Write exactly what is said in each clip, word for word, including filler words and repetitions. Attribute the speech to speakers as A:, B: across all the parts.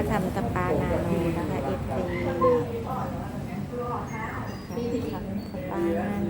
A: ทำสปานาโนนะคะเอฟซีทำสปานาโน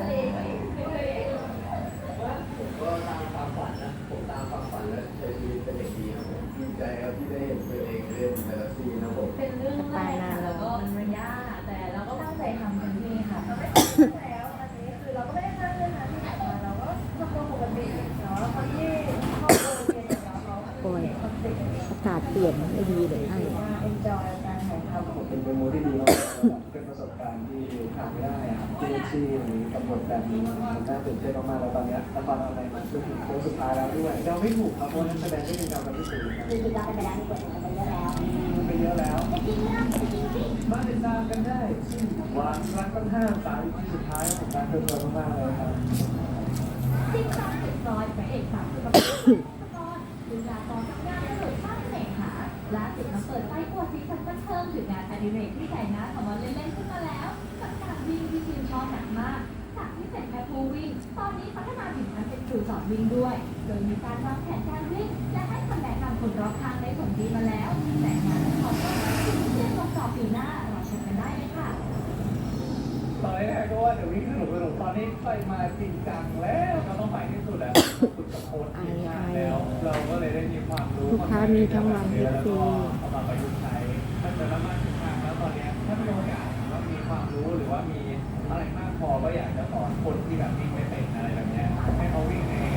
B: ก็ตามความฝันนะผมตามความฝันและใช้ชีวิตเป็นเด็กดีครับผมดีใจครับที่ได้เห็นตัวเองเล่นแต่ละซีนะผม
C: เป็นเรื่องแรกค่ะแล้วก็มันยากแต่เราก็ตั้งใจทำเต็มที่ค่ะเราไม่ได้แล้วอันนี้คือเราก็ไม่ได้สร้างเรื่องนั้นที่ไหนมาเราก็ทำตัวปกติเนาะคนที่เข้าโรงเรียนกับเราเรา
A: โอ้ยอากาศเปลี่ยนไม่ดีเลยไอ้
C: เอ็นจอยการถ่ายทำ
B: ผมเป็นเป็นโมที่ดีมากเป็นประสบการณ์ที่ขาดไม่ได้ครับเจซีกำหนดแบบนี้มันน่าตื่นเต้นมากๆแล้วตอนนี้ละครอะไรมันก็ถึงโค้งสุดท้ายแล้วด้วยเราไม่ถูกครับเพราะนักแสดงก็ยังจำกันไม่ถูกครับ
C: คือเราไปแล้วมีบทไปเยอะแล้ว
B: มันไปเยอะแล้วมาติดตามกันได้ที่วางรักกันห้าสามที่สุดท้ายของการเติมเต็มมากๆเลยครับ
C: ซิ่งซ้ำติดรอยพระเอกสาวกับดูดาตอนทำงานสนุกสร้างเสน่หาล่าสุดมาเปิดไฟกวดสีสันบันเทิงถึงงานอดิเรกที่ใส่หน้าของวันเล่นๆขึ้นมาแล้วกับการวิ่งที่ทีมชอบหนักมากจากที่เป็นแค่ผู้วิ่งตอนนี้พัฒนาถึงการเป็นครูสอนวิ่งด้วยโดยมีการวางแผนการวิ่งและให้คำแนะนำคนรอบข้างได้ผลดีมาแล้วแต่งานของก็ถึงเชื่อลงต่อปีหน้ารอชมกันได้เลยค่ะ
B: ตอนแรกก็ว่าเดี๋ยววิ่งสนุกสนุกตอนนี้ไปมาจริงจังแล้วเราต้องไปที่สุดแล้วฝึกกับโค้ชทีมชาติแล้วเราก็เลยได้มีความรู้
A: ลูกค้ามีทั้งวันเอฟซี
B: เอามาประยุกต์ใช้ถ้าเกิดเรามาถึงทางแล้วตอนนี้ถ้ามีโอกาสว่ามีความรู้หรือว่ามีอะไรมากพอก็อยากจะสอนคนที่แบบวิ่งไม่เป็นอะไรแบบนี้ให้เขาวิ่งใน